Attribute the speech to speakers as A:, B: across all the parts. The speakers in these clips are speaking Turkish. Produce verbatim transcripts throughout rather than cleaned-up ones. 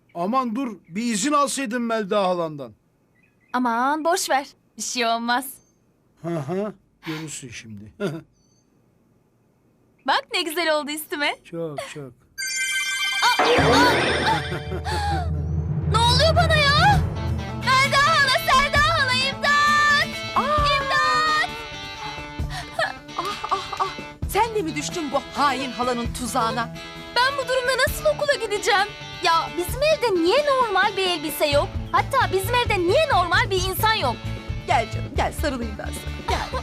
A: Aman dur, bir izin alsaydın Melda halandan.
B: Aman boş ver. Bir şey olmaz.
A: Hı hı, görürsün şimdi.
B: Bak ne güzel oldu üstüme.
A: Çok çok.
B: Ne oluyor bana ya? Melda hala, Selda hala, imdat! İmdat!
C: Ah ah ah. Sen de mi düştün bu hain halanın tuzağına?
B: Ben bu durumda nasıl okula gideceğim? Ya bizim evde niye normal bir elbise yok? Hatta bizim evde niye normal bir insan yok?
C: Gel canım gel sarılayım ben sana. Gel.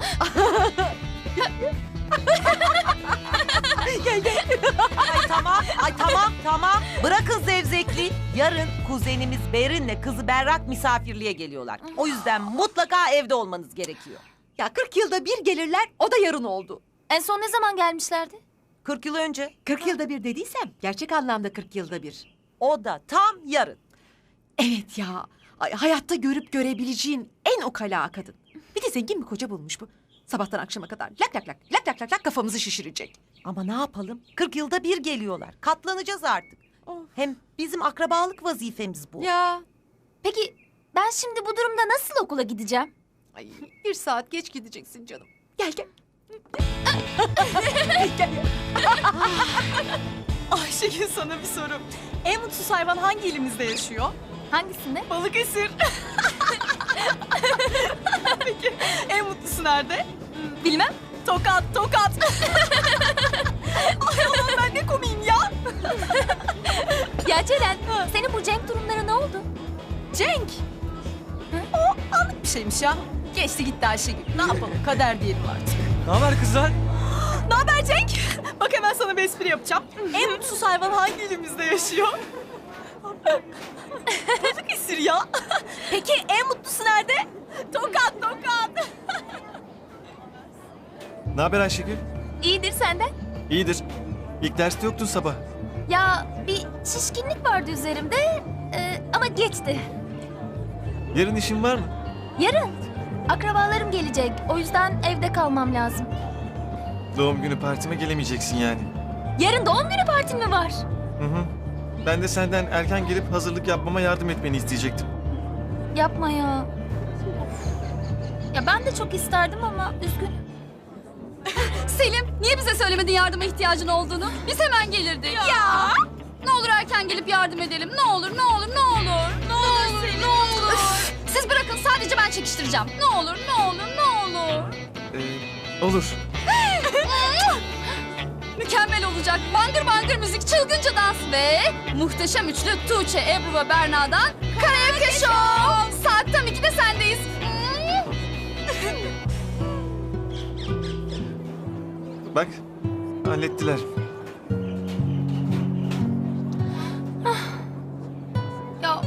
C: gel gel.
D: Ay tamam, ay tamam, tamam. Bırakın zevzekliği. Yarın kuzenimiz Berin'le kızı Berrak misafirliğe geliyorlar. O yüzden mutlaka evde olmanız gerekiyor.
C: Ya kırk yılda bir gelirler o da yarın oldu.
B: En son ne zaman gelmişlerdi?
D: kırk yıl önce.
C: kırk yılda bir dediysem gerçek anlamda kırk yılda bir.
D: O da tam yarın.
C: Evet ya. Ay, hayatta görüp görebileceğin en ukala kadın. Bir de zengin bir koca bulmuş bu. Sabahtan akşama kadar lak lak lak lak lak lak lak kafamızı şişirecek.
D: Ama ne yapalım? kırk yılda bir geliyorlar. Katlanacağız artık.
C: Of.
D: Hem bizim akrabalık vazifemiz bu.
C: Ya.
B: Peki ben şimdi bu durumda nasıl okula gideceğim?
C: Ay, bir saat geç gideceksin canım. Gel gel. gel gel.
E: Ayşegül sana bir soru. En mutsuz hayvan hangi ilimizde yaşıyor?
B: Hangisinde?
E: Balıkesir. Peki en mutlusu nerede?
B: Bilmem.
E: Tokat, Tokat. Ay Allah'ım ben ne komiyim ya.
B: Ya Ceren, senin bu Cenk durumları ne oldu?
E: Cenk. O anlık bir şeymiş ya. Geçti gitti Ayşegül. Ne yapalım? Kader diyelim artık.
F: Ne haber kızlar?
E: Ne haber Cenk? Bak hemen sana bir espri yapacağım. En mutsuz hayvan hangi ilimizde yaşıyor? Balıkesir ya. Peki en mutlusu nerede? Tokat, Tokat.
F: Ne haber Ayşegül?
B: İyidir senden.
F: İyidir. İlk derste yoktun sabah.
B: Ya bir şişkinlik vardı üzerimde e, ama geçti.
F: Yarın işin var mı?
B: Yarın akrabalarım gelecek. O yüzden evde kalmam lazım.
F: Doğum günü partime gelemeyeceksin yani.
B: Yarın doğum günü partim mi var?
F: Hı hı. Ben de senden erken gelip hazırlık yapmama yardım etmeni isteyecektim.
B: Yapma ya. Ya ben de çok isterdim ama üzgünüm.
G: Selim, niye bize söylemedin yardıma ihtiyacın olduğunu? Biz hemen gelirdik. Ya! Ne olur erken gelip yardım edelim. Ne olur, ne olur, ne olur. Ne olur, ne olur. Siz bırakın, sadece ben çekiştireceğim. Ne olur, ne olur, ne olur.
F: Ee, olur.
G: Mükemmel olacak. Bangır bangır müzik, çılgınca dans ve muhteşem üçlü Tuğçe, Ebru ve Berna'dan Karaoke Show. Saat tam ikide sendeyiz.
F: Bak, hallettiler.
G: Ya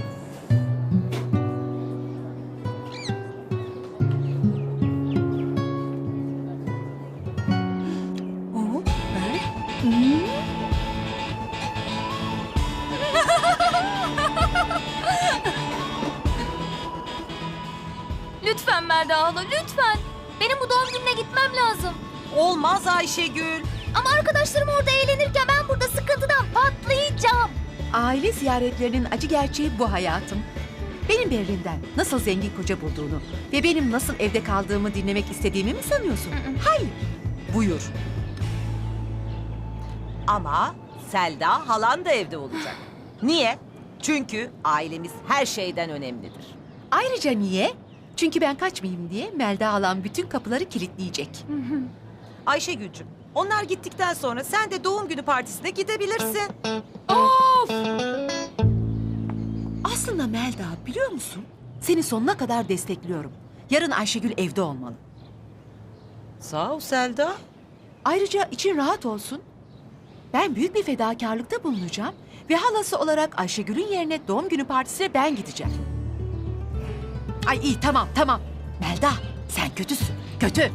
B: Lütfen Melda hala, lütfen. Benim bu doğum gününe gitmem lazım.
D: Olmaz Ayşegül.
B: Ama arkadaşlarım orada eğlenirken ben burada sıkıntıdan patlayacağım.
C: Aile ziyaretlerinin acı gerçeği bu hayatım. Benim Berrin'den nasıl zengin koca bulduğunu ve benim nasıl evde kaldığımı dinlemek istediğimi mi sanıyorsun? Hayır. Buyur.
D: Ama Selda halan da evde olacak. Niye? Çünkü ailemiz her şeyden önemlidir.
C: Ayrıca niye? Çünkü ben kaçmayayım diye Melda halam bütün kapıları kilitleyecek.
D: Ayşegül'cüm, onlar gittikten sonra sen de doğum günü partisine gidebilirsin.
C: Aslında Melda biliyor musun? Seni sonuna kadar destekliyorum. Yarın Ayşegül evde olmalı.
D: Sağ ol Selda.
C: Ayrıca için rahat olsun. Ben büyük bir fedakarlıkta bulunacağım ve halası olarak Ayşegül'ün yerine doğum günü partisine ben gideceğim. Ay iyi tamam tamam. Melda sen kötüsün. Kötü.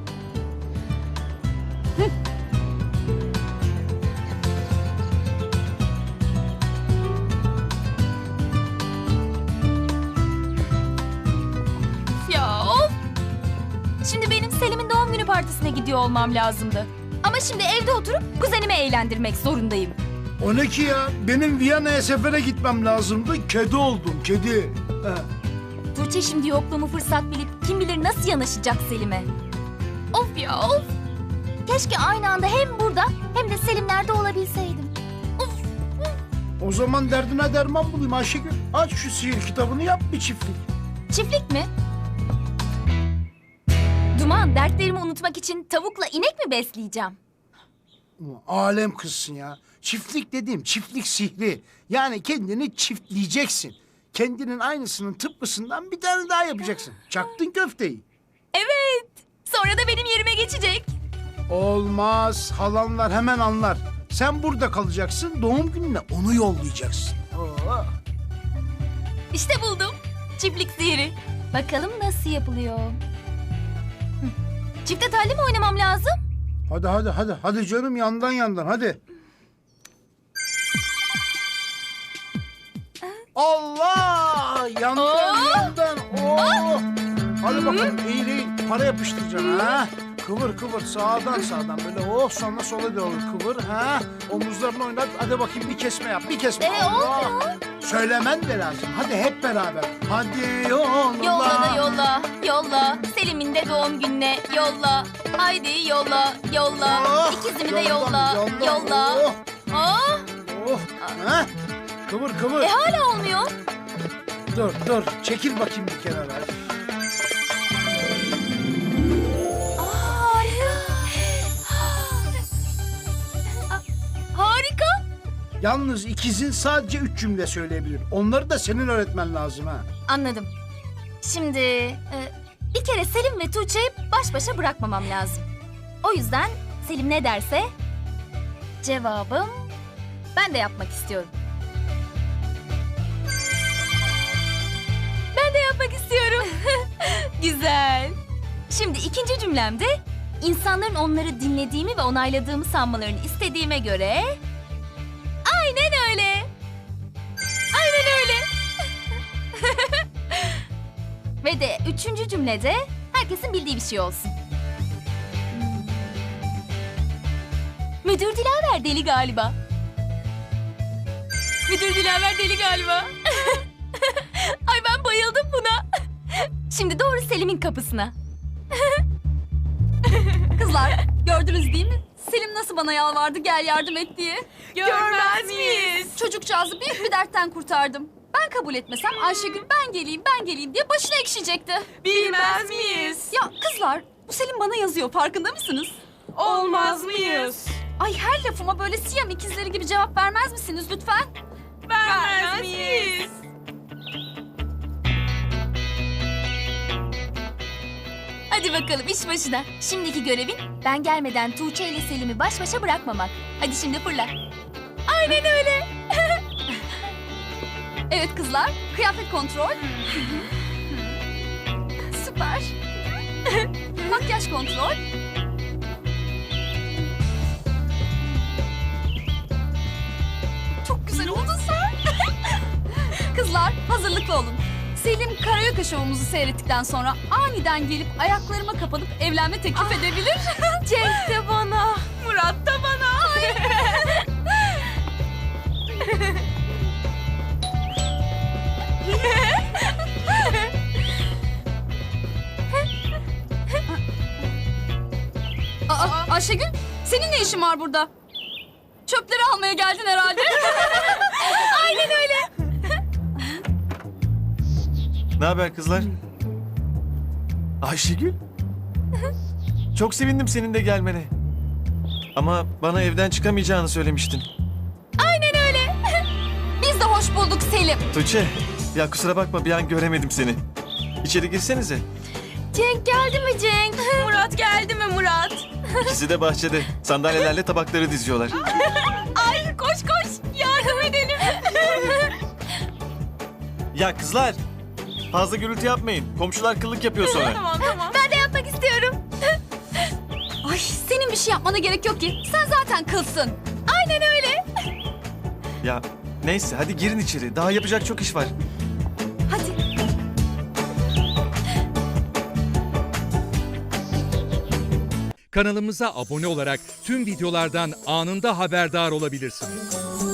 B: Ya of! Şimdi benim Selim'in doğum günü partisine gidiyor olmam lazımdı. Ama şimdi evde oturup kuzenimi eğlendirmek zorundayım.
A: O ne ki ya? Benim Viyana'ya sefere gitmem lazımdı. Kedi oldum, kedi. Ha.
B: Tuğçe şimdi yokluğumu fırsat bilip kim bilir nasıl yanaşacak Selim'e. Of ya of. Keşke aynı anda hem burada hem de Selimler'de olabilseydim.
A: O zaman derdine derman bulayım Ayşegül. Aç şu sihir kitabını, yap bir çiftlik.
B: Çiftlik mi? Duman, dertlerimi unutmak için tavukla inek mi besleyeceğim?
A: Ulan alem kızsın ya. Çiftlik dediğim çiftlik sihri. Yani kendini çiftleyeceksin. Kendinin aynısının tıpkısından bir tane daha yapacaksın. Çaktın köfteyi.
B: Evet. Sonra da benim yerime geçecek.
A: Olmaz. Halanlar hemen anlar. Sen burada kalacaksın. Doğum gününe onu yollayacaksın. Oo.
B: İşte buldum. Çiftlik sihiri. Bakalım nasıl yapılıyor. Hı. Çifte telli mi oynamam lazım?
A: Hadi hadi hadi. Hadi canım, yandan yandan hadi. Allah! Yandan yandan. Oo! Hadi bakalım, eğil eğil. Para yapıştıracaksın ha. Kıvır kıvır, sağdan sağdan böyle, oh, sonra sola doğru kıvır ha. Omuzlarını oynat. Hadi bakayım, bir kesme yap, bir kesme.
B: Ee,
A: Allah!
B: olmuyor.
A: Söylemen de lazım. Hadi hep beraber. Hadi yolla.
B: Yolla da yolla, yolla. Selim'in de doğum gününe yolla. Haydi yolla, yolla.
A: Oh,
B: İkizimi de
A: yolla,
B: yolla,
A: yolla.
B: yolla.
A: Oh,
B: Oh,
A: oh. Ha? Kıvır kıvır.
B: e hala olmuyor.
A: Dur dur, çekil bakayım bir kenara.
B: Aa, harika. Harika.
A: Yalnız ikizin sadece üç cümle söyleyebilir. Onları da senin öğretmen lazım ha.
B: Anladım. Şimdi e, bir kere Selim ve Tuğçe'yi baş başa bırakmamam lazım. O yüzden Selim ne derse cevabım ben de yapmak istiyorum. Ben de yapmak istiyorum. Güzel. Şimdi ikinci cümlemde insanların onları dinlediğimi ve onayladığımı sanmalarını istediğime göre aynen öyle. Aynen öyle. Ve de üçüncü cümlede herkesin bildiği bir şey olsun. Hmm. Müdür Dilaver deli galiba. Müdür Dilaver deli galiba. Ay ben bayıldım buna. Şimdi doğru Selim'in kapısına.
G: Kızlar gördünüz değil mi? Selim nasıl bana yalvardı gel yardım et diye.
E: Görmez miyiz?
G: Çocukcağızı büyük bir dertten kurtardım. Ben kabul etmesem Ayşegül ben geleyim ben geleyim diye başına ekşiyecekti.
E: Bilmez miyiz?
G: Ya kızlar bu Selim bana yazıyor farkında mısınız?
E: Olmaz mıyız?
G: Ay her lafıma böyle Siyam ikizleri gibi cevap vermez misiniz lütfen?
E: Vermez miyiz?
B: Hadi bakalım iş başına. Şimdiki görevin ben gelmeden Tuğçe ile Selim'i baş başa bırakmamak. Hadi şimdi fırla. Aynen öyle.
G: Evet kızlar kıyafet kontrol. Süper. Makyaj kontrol. Çok güzel oldun sen. Kızlar hazırlıklı olun. Selim karaoke şovumuzu seyrettikten sonra aniden gelip ayaklarıma kapanıp evlenme teklif edebilir.
B: Cenk de bana.
E: Murat da bana.
G: Aa, Ayşegül senin ne işin var burada? Çöpleri almaya geldin herhalde.
B: Aynen öyle.
F: Ne haber kızlar? Ayşegül? Çok sevindim senin de gelmene. Ama bana evden çıkamayacağını söylemiştin.
B: Aynen öyle.
G: Biz de hoş bulduk Selim.
F: Tuğçe, ya kusura bakma bir an göremedim seni. İçeri girsenize.
B: Cenk geldi mi Cenk?
E: Murat geldi mi Murat?
F: İkisi de bahçede. Sandalyelerle tabakları diziyorlar.
E: Ay koş koş yardım edelim.
F: Ya kızlar, fazla gürültü yapmayın. Komşular kıllık yapıyor sonra.
E: Tamam tamam.
B: Ben de yapmak istiyorum.
G: Ay senin bir şey yapmana gerek yok ki. Sen zaten kılsın.
B: Aynen öyle.
F: Ya neyse hadi girin içeri. Daha yapacak çok iş var.
G: Hadi.
H: Kanalımıza abone olarak tüm videolardan anında haberdar olabilirsiniz.